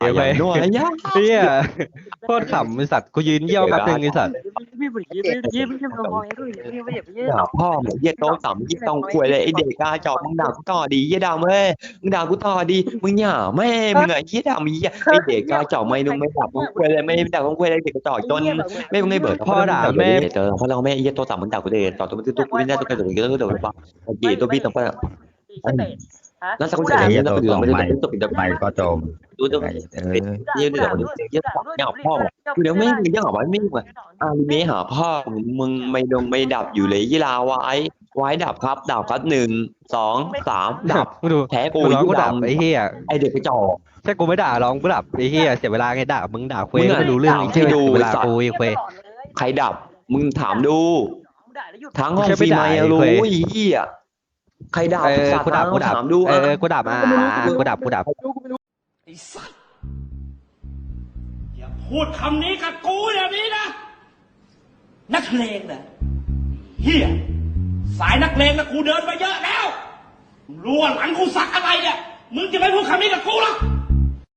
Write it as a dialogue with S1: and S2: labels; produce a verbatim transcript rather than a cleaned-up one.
S1: เดี๋ยวไป
S2: อย่างด้วยยะ
S1: เฮียโคตรขำไอสัตว์กูยืนเยี่ยวแป๊บนึงไอสัตว์
S2: ด่าพ่อมึงเหี้ยโต๊ะต่ำยี่ต้องควยเลยไอเด็กกาจอกมึงด่ากูต่อดีเหี้ยดำเว้ยมึงด่ากูต่อดีมึงหย่าแม่มึงไอ้เหี้ยดำมีไอเด็กกาจอกไม่นุ่งไม่ดับมึงควยเลยไม่ด่ามึงควยเลยเด็กกระจอกจนไม่มึงไม่เบิดเจอเพราะเราแม่เหี้ยโต๊ะต่ำมึงด่ากูเลยต่อตัวมึงตุ๊กกูไม่ได้ตุ๊กกระโดดก็โดดป่ะจีตัวพี่ต้องไปแล้วสักคนจะ
S3: ไอ้
S2: เห็
S3: เหี้
S2: น
S3: ย
S2: แล้ว
S3: ตัว
S2: ไปดู
S3: สอง
S2: ไม่ได้
S3: ใหม่
S2: ตกเป็น
S3: ใหม่ก็จม
S2: ดูตัว
S3: ไอ้เออ
S2: เยี่ยเดี๋ยวเยี่ยเยี่ยพ่อเดี๋ยวไม่มึงยังหาไว้ไม่มึงอ่ะมีหาพ่อมึงไม่ดงไม่ดับอยู่เลยยี่ลาไว้ไว้ดับครับดับครับหนึ่งสองสามดับ
S1: กูดู
S2: แพ้กู
S1: กูร้อง
S2: ยี่
S1: กูดับ
S2: ดำ
S1: ไอ้เฮีย
S2: ไอเด็กกระจอก
S1: แค่กูไม่ด่าร้องกูดับไอ้เฮียเสียเวลาไงด่ามึงด่าคุย
S2: มึงอะ
S1: ไม่รู้เรื่องไอ้เฮีย
S2: ด่าให้ดู
S1: เสียเวลา
S2: สัตว์
S1: กูไอ้คุย
S2: ใครดับมึงถามดูทั้งห้อง
S1: แค่ไม่
S2: ฟีไม
S1: ด่า
S2: รู้
S1: ไอ้เว้ย
S2: ไอ้เหี้ยใครดับ
S1: เออ
S2: สัตว์
S1: กูดับกูดับ
S2: ถามดู
S1: เออกูดับอ่ะกูดับกูดับ
S4: ไอ้สัตว์อย่าพูดคำนี้กับกูอย่างนี้นะ นักเลงนะเฮียสายนักเลงนะกูเดินมาเยอะแล้วมึงรู้ว่าหลังกูสักอะไรเนี่ยมึงจะไม่พูดคำนี้กับกูหรอก